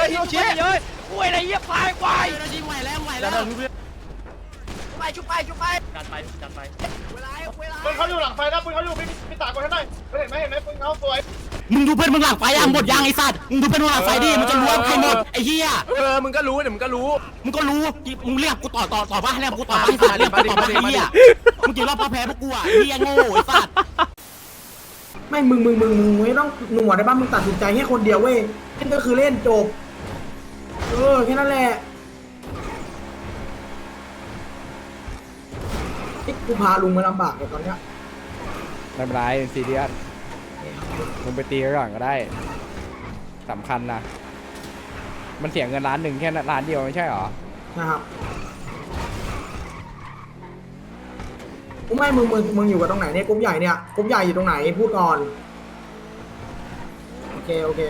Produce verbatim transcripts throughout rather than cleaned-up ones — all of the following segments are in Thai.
อะฮิโรชิเยอะกูอะไรเยี่ยควายควายไหวแล้วไหวแล้วไปชุบไปชุบไปจัดไปจัดไปเวลาเวลาปืนเขาอยู่หลังไฟนะปืนเขาอยู่พี่พี่ตากดให้หน่อยเห็นไหมเห็นไหมปืนเขาสวยมึงดูเพื่อนมึงหลังไฟยังหมดยังไอ้สัตว์มึงดูเพื่อนมึงหลังไฟดิมันจะรวมใครหมดไอ้เหี้ยเออมึงก็รู้เดี๋ยวมึงก็รู้มึงก็รู้มึงเรียกกูต่อต่อต่อว่าเรียกกูต่อว่าไอ้สัตว์เรียกกูต่อว่าไอ้เหี้ยมึงกี่รอบพอแพ้พวกกูอ่ะเหี้ยโง่ไอ้สัตว์ไม่มึงมึงมึงมึงไม่ต้องหนวดได้ป่ะมึงตัดสินใจแค่คนเดียวเว้ยเล่นก็คือเล่นจบเออแค่นั้นแหละกูพาลุงมาลำบากเลยตอนเนี้ยไม่เป็นไรซีเรียสมึงไปตีก่อนก็ได้สำคัญนะมันเสียเงินล้านหนึ่งแค่ล้านเดียวไม่ใช่หรอนะครับกูไม่มึงมึงมึงอยู่กับตรงไหนเนี่ยกรุ๊ปใหญ่เนี่ยกรุ๊ปใหญ่อยู่ตรงไหนพูดก่อนโอเคโอเค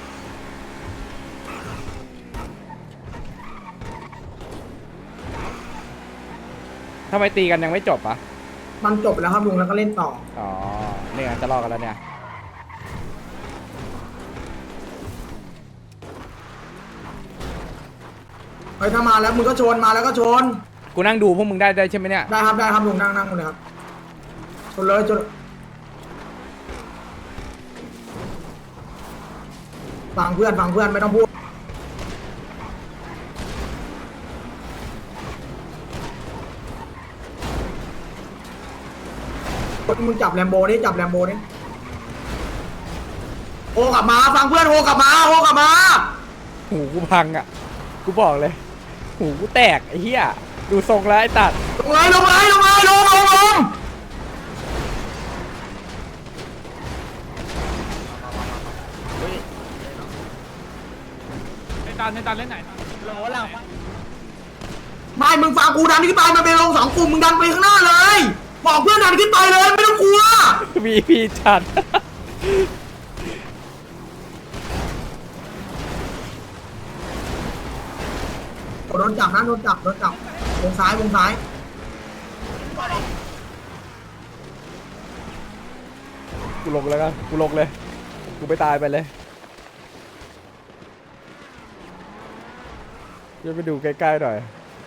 ทำไมตีกันยังไม่จบอ่ะมันจบแล้วครับลุงแล้วก็เล่นต่ออ๋อเนี่ยจะรอกันแล้วเนี่ยไปถ้ามาแล้วมึงก็ชนมาแล้วก็ชนกูนั่งดูพวกมึงได้ได้ใช่ไหมเนี่ยได้ครับได้ครับลุงนั่งนั่งเลยครับชนเลยชนฟังเพื่อนฟังเพื่อนไม่ต้องพูดมึงจับแลมโบนี่จับแลมโบนี่โอกลับมาฟังเพื่อนโอกลับมาโอกลับมาหูกูพังอ่ะกูบอกเลยหูกูแตกไอ้เหี้ยดูทรงแล้วไอ้ตัดลงเลยลงเลยลงเลยลงลงลงในตาในตาเล่นไหนโหลหลังไม่มึงฟังกูดันขึ้นไปมันเป็นลงสองกลุ่มมึงดันไปข้างหน้าเลยบอกเพื่อนดันขึ้นไปเลยไม่ต้องกลัวมีพี่จัดโดนจับนะโดนจับโดนจับวงซ้ายวงซ้ายกูลงแล้วกันกูลงเลยกูไปตายไปเลยเดี๋ยวไปดูใกล้ๆหน่อย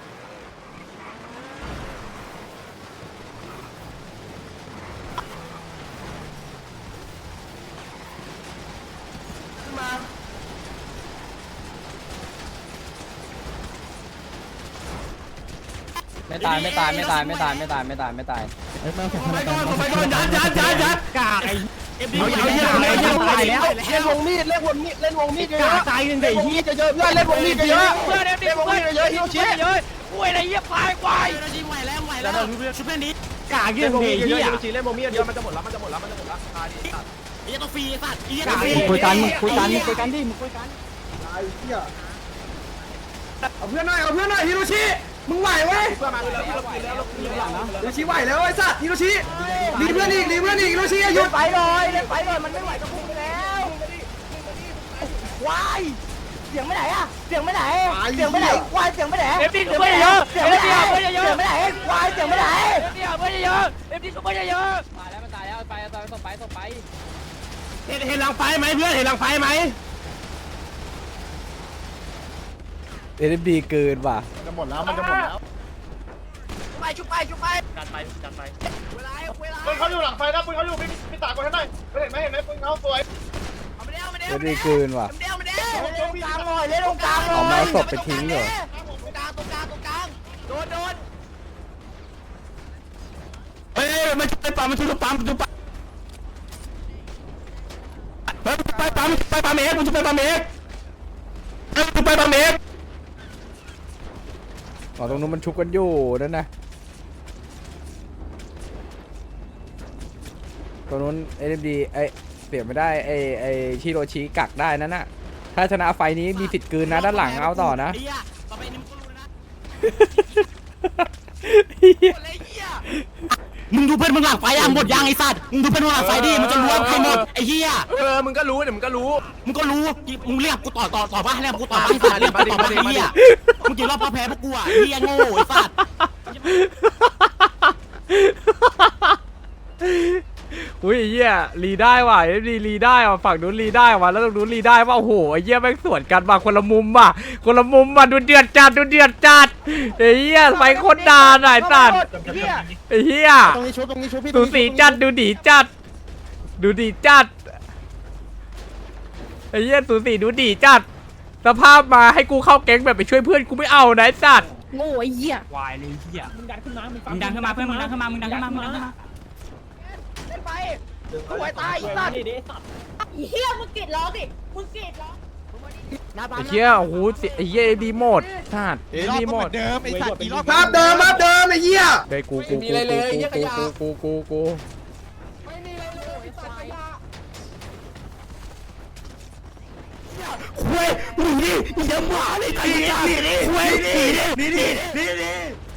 ไม่ตายไม่ตายไม่ตายไม่ตายไม่ตายไม่ตายไม่ตายไปก่อนไปก่อนยันยันยันยันกากไอ้เอ็มดีเอาเยอะเลยยังตายแล้วเล่นวงมีดเล่นวงมีดเล่นวงมีดเยอะตายหนึ่งเดียวฮีจะเยอะเพื่อนเล่นวงมีดเยอะเพื่อนเล่นวงมีดเยอะฮิโรชิเยอะกูอะไรเยี่ยควายควายไหวแล้วไหวแล้วชุบเพื่อนนี้กากเล่นวงมีดเยอะฮิโรชิเล่นวงมีดเยอะมันจะหมดแล้วมันจะหมดแล้วมันจะหมดแล้วตายดิไอ้ตัวฟรีสัตว์ไอ้ตัวฟรีคุยกันคุยกันคุยกันดิมึงคุยกันไอ้เหี้ยเอาเพื่อนหน่อยเอาเพื่อนหน่อยฮิโรชิมึงไหวเว้ยเพื่อนมาแล้วเราแล้วเราแล้วฮิโรชิไหวแล้วไอ้สัตว์ฮิโรชิรีเพื่อนอีกรีเพื่อนอีกฮิโรชิหยุดไปเลยเล่นไปเลยมันไม่ไหวก็พุ่งไปแล้ววายเสียงไม่ไหนอะเสียงไม่ไหนเสียงไม่ไหนวายเสียงไม่ไหนเอฟดีช่วยเยอะเสียงไม่ไหนเสียงไม่ไหนวายเสียงไม่ไหนเอฟดีช่วยเยอะเอฟดีช่วยเยอะตายแล้วมันตายแล้วไปต่อต่อไปต่อไปเห็นเห็นหลังไฟไหมเพื่อนเห็นหลังไฟไหมเอ็มดีเกินว่ะจะหมดแล้วมันจะหมดแล้วไปชุบไปชุบไปจัดไปจัดไปเวลาเวลาปืนเขาอยู่หลังไฟนะปืนเขาอยู่พี่พี่ตากดให้หน่อยเห็นไหมเห็นไหมปืนเขาสวยเอ็มดีเกินว่ะเดี๋ยวเดี๋ยวตรงกลางหน่อยเล่นตรงกลางหน่อยเอามาศพไปทิ้งเหรอตรงกลางตรงกลางตรงกลางโดนโดนเฮ้ยมันไปปั๊มมันชุบปั๊มชุบปั๊มไปไปปั๊มไปปั๊มเอกมันชุบไปปั๊มเอกไปไปปั๊มเอกอ๋อตรงนู้นมันชุบกันอยู่นั่นนะตรงนู้นเอ็มดีไอเปลี่ยนไม่ได้ไอไอชิโรชิกักได้นั่นน่ะถ้าชนะไฟนี้มีสิทธิ์คืนนะด้านหลังเอาต่อนะมึงดูเพื่อนมึงหลังไฟยังหมดยังไอ้สัตว์มึงดูเพื่อนมึงหลังไฟดิมันจะรวมใครหมดไอ้เหี้ยเออมึงก็รู้เดี๋ยวมึงก็รู้มึงก็รู้มึงเรียกกูต่อต่อต่อว่าเรียกกูต่อว่าไอ้สัตว์เรียกกูต่อว่าไอ้เหี้ยมึงกี่รอบพอแพ้พวกกูอ่ะเหี้ยโง่ไอ้สัตว์อุ้ยไอ้เหี้ยรีได้ว่ะเอฟดีรีได้ว่ะฝั่งนู้นรีได้ว่ะแล้วตรงนู้นรีได้ว่ะโอ้โหไอ้เหี้ยแม่งสวนกันมาคนละมุมว่ะคนละมุมว่ะดูเดือดจัดดูเดือดจัดไอ้เหี้ยไฟโคตรด่าหน่อยสัตว์ไอ้เหี้ยตรงนี้ชุบตรงนี้ชุบพี่ดูสีจัดดูดีจัดดูดีจัดไอ้เหี้ยสูสีดูดีจัดสภาพมาให้กูเข้าแก๊งแบบไปช่วยเพื่อนกูไม่เอานะไอ้สัตว์โง่ไอ้เหี้ยวายเลยเฮียมึงดันขึ้นมามึงดันขึ้นมาเพื่อนมึงดันขึ้นมามึงดันขึ้นมามึงดันขึ้นมาเล่นไปสวยตายอีสัตว์ไอ้เหี้ยมึงกรีดร้องดิมึงกรีดร้องไอ้เหี้ยโอ้โหไอ้เหี้ยดีหมดสัตว์ดีหมดเดิมไอ้สัตว์กี่รอบภาพเดิมภาพเดิมไอ้เหี้ยเฮ้ยกูกูกูกูกูกูกูกูไม่มีอะไรเลยไอ้สัตว์ขยะเว้ยหนีดิหนีเดี๋ยวหมาเลยหนีดิหนีดิเว้ยหนีดิหนีดิหนีดิ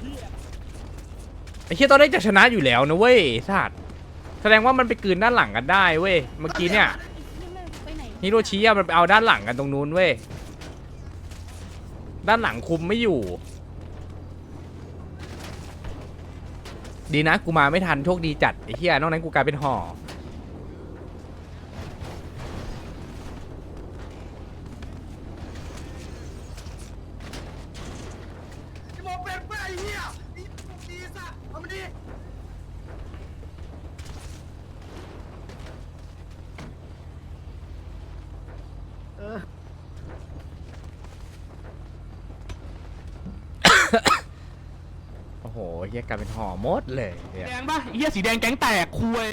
ไอ้เหี้ยตอนนี้จะชนะอยู่แล้วนะเว้ยสัตว์แสดงว่ามันไปกลืนด้านหลังกันได้เว้ยเมื่อกี้เนี่ยไปไหนฮิโรชิอะมันไปเอาด้านหลังกันตรงนู้นเว้ยด้านหลังคุมไม่อยู่ ดีนะกูมาไม่ทันโชคดีจัดไอ้เหี้ยนอกนั้นกูกลายเป็นห่อมองเป็นไอ้เหี้ยดีสัตว์เอามาดิโอ้โหเหี้ยกลายเป็นห่อหมดเลยเนี่ยแดงป่ะเฮียสีแดงแก๊งแตกคุย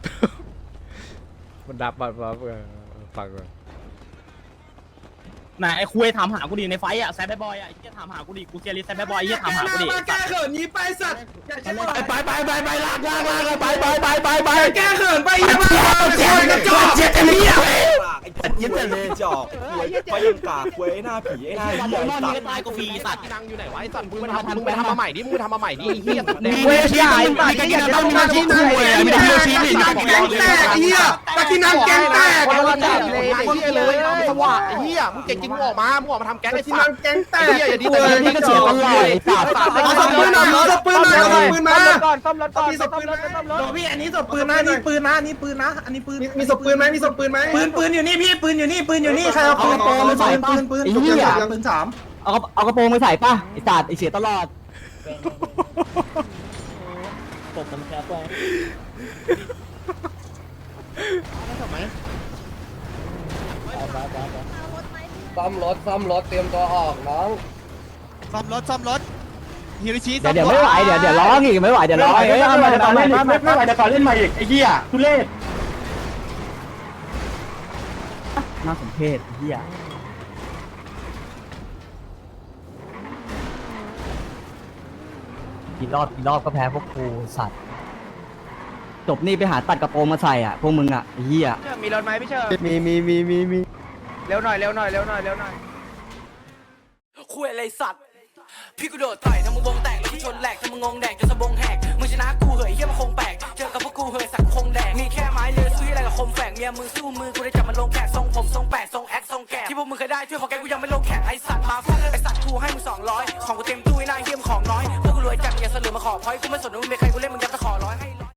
มันดับมาฟังก่อนไหนไอ้คุยถามหากูดิในไฟอ่ะแซดบอยอ่ะไอ้เฮียถามหากูดิกูเกียร์ลิสแซดบอยไอ้เฮียถามหากูดิแกเขินนี้ไปสัตว์อย่าใช้บอลไปไปไปไปลากลากลากไปไปไปไปไปแกเขินไปยังไงเจ็บกระจอกเจ็บเลี้ยไอ้ตัดยิ้มแต่เลยจอกควยไปยังกากควยไอ้หน้าผีไอ้หน้าวันเหี้ยนอนไอ้นี่สัตว์ก็ตายกูฟรีสัตว์นั่งอยู่ไหนวะไอ้สัตว์มึงไปทำมึงไปทำมาใหม่ดิมึงไปทำมาใหม่ดิเหี้ยมีเวชีมีการกินน้ำมีอาชีพคุยมีเวชีมีแกงแตกไอ้เหี้ยตะกี้น้ำแกงแตกคนละจับเลยไอ้เหี้ยเลยเอาสว่างไอ้เหี้ยมึงเก่งจริงมึงออกมามึงออกมาทำแก๊งตะไอ้กี้สัตว์น้ำแกงแตไอ้กเหี้ยอย่าดีแต่นี่ก็เสียตลอดไอ้สัตว์เอาศพปืนหน่อยเอาศพปืนมาเอาศพปืนมาก่อนซ่อมรถก่อนมีศพปืนไหมซ่อมรถพี่อันนี้ศพปืนนะนี่ปืนนะนี่ปืนนะอันนี้ปืนมีศพปืนไหมมีศพปืนไหมปืนปืนอยู่นี่พี่ปืนอยู่นี่ปืนอยู่นี่ใครเอาปืนปลอมมาใส่ปืนปืนปืนปืนสามเอาเอากระโปรงไปใส่ป่ะไอ้สัตว์ไอ้เสียตลอดตบมันแค่ไปซ่อมรถซ่อมรถเตรียมตัวออกน้องซ่อมรถซ่อมรถฮิริชิเดี๋ยวเดี๋ยวไม่ไหวเดี๋ยวเดี๋ยวร้องอีกไม่ไหวเดี๋ยวร้องเฮ้ยเอามาเอามาไม่ไม่ไหวเดี๋ยวก่อนเล่นใหม่อีกไอ้เหี้ยทุเรศน่าสมเพชเฮียกี่รอบกี่รอบก็แพ้พวกกูสัตว์จบนี่ไปหาตัดกระโปรงมาใส่อ่ะพวกมึงอ่ะเฮียมีรถไหมพี่เชิญมีมีมีมีมีเร็วหน่อยเร็วหน่อยเร็วหน่อยเร็วหน่อยคุยอะไรสัตว์พี่กูโดดต่อยทำมึงวงแตกแล้วกูชนแหลกทำมึงงงแดกจนสะบงแหกมึงชนะกูเหยเฮียมันคงแปลกเจอกับพวกกูเหยสักคงแดกมีแค่ไม้เลือซื้ออะไรกับคมแฝกเมียมึงสู้มือกูได้จับมันลงแขกทรงผมทรงแปดทรงแอคทรงแกะที่พวกมึงเคยได้ช่วยของแกกูยังไม่ลงแขกไอสัตว์มาฟาดไอสัตว์กูให้มึงสองร้อยของกูเต็มตู้ไอ้นายเฮียมของน้อยพวกกูรวยจัดอย่าเสลือมาขอพอยกูไม่สนว่ามึงเป็นใครกูเล่นมึง